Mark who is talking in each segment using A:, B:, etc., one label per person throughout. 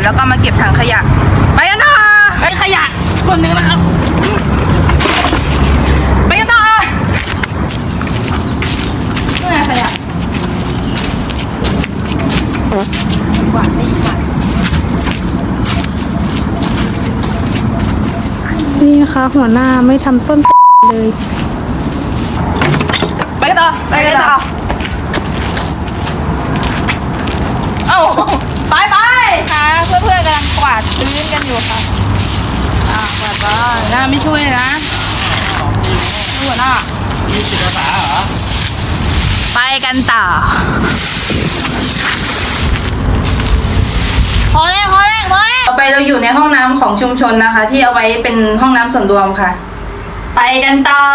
A: แล้วก็มาเก็บถังขยะไปกันต่อไอ้ขยะส่วนหนึ่งนะครับไปกันต่อนี่ไงขยะกวาดไม่กวาด
B: นี่นะคะหัวหน้าไม่ทำส้นเลย
A: ไปกันต่อไปกันต่อเอ้าไปค่ะเพื่อนๆกำลังกวาดพื้นกันอยู่ค่ะกวาดบ้านหน้าไม่ช่วยนะหัวหน้ามีจิตอาสาเหรอไปกันต่อพอแล้วต่อไปเราอยู่ในห้องน้ำของชุมชนนะคะ ที่เอาไว้เป็นห้องน้ำส่วนรวมค่ะ ไปกันต่อ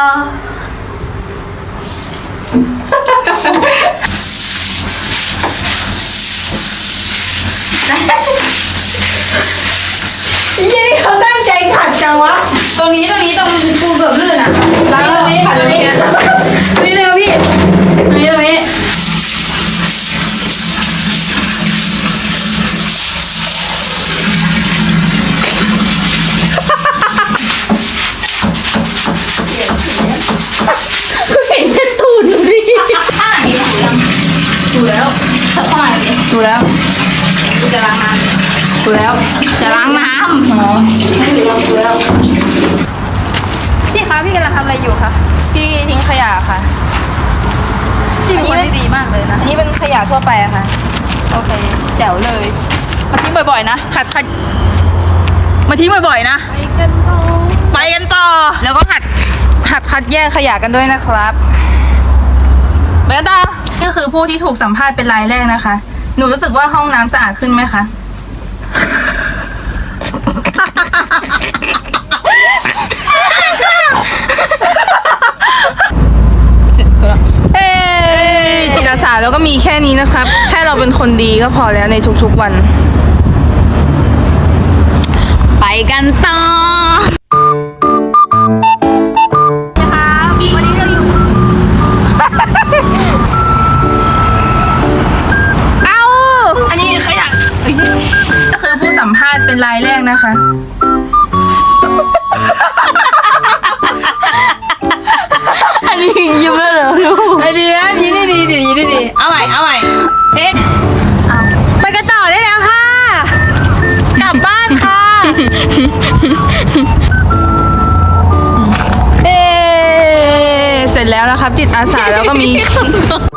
C: ยี่เขาตั้งใจขัดจังวะ
A: ตรงนี้ตรงปูเกือบลื่นอ่ะล้างตรงนี้ค่ะตรงนี้นี่เลยพี่ตรงนี้
B: เห็นแค่ตูดดูดิ
A: ข้างหลังนี้ถูแล้วข้างหลังนี้ถูแล้วกูจะล้างน้ำถูแล้วจะล้างน้ำอ๋อให้ถูแล้ว
B: พี่คะพี่กำลังทำอะไรอยู่คะ
A: พี่ทิ้งขยะค่ะ
B: พี่เป็นคนที่ดีมากเลยนะ
A: อันนี้เป็นขยะทั่วไปอะค่ะ
B: โอเคแจ๋วเลยมาทิ้งบ่อยๆนะ
A: หัด
B: มาทิ้งบ่อยๆนะไปกันต่อ
A: แล้วก็หัดคัดแยกขยะกันด้วยนะครับเบต้านี่คือผู้ที่ถูกสัมภาษณ์เป็นรายแรกนะคะ หนูรู้สึกว่าห้องน้ำสะอาดขึ้นไหมคะ เสร็จแล้วจิตอาสาแล้วก็มีแค่นี้นะครับ แค่เราเป็นคนดีก็พอแล้วในทุกๆวัน ไปกันต่อนะคะวันนี้เราอยู่ เอาอันนี้ขยะก็คือผู้สัมภาษณ์เป็นรายแรกนะคะ
B: อันนี้ยิ้มแล้วเหรอลูก
A: ไอเดียยิ้มดีเอาใหม่เอ๊ะไปกันต่อได้แล้วค่ะ กลับบ้านค่ะ เสร็จแล้วนะครับ จิตอาสาแล้วก็มี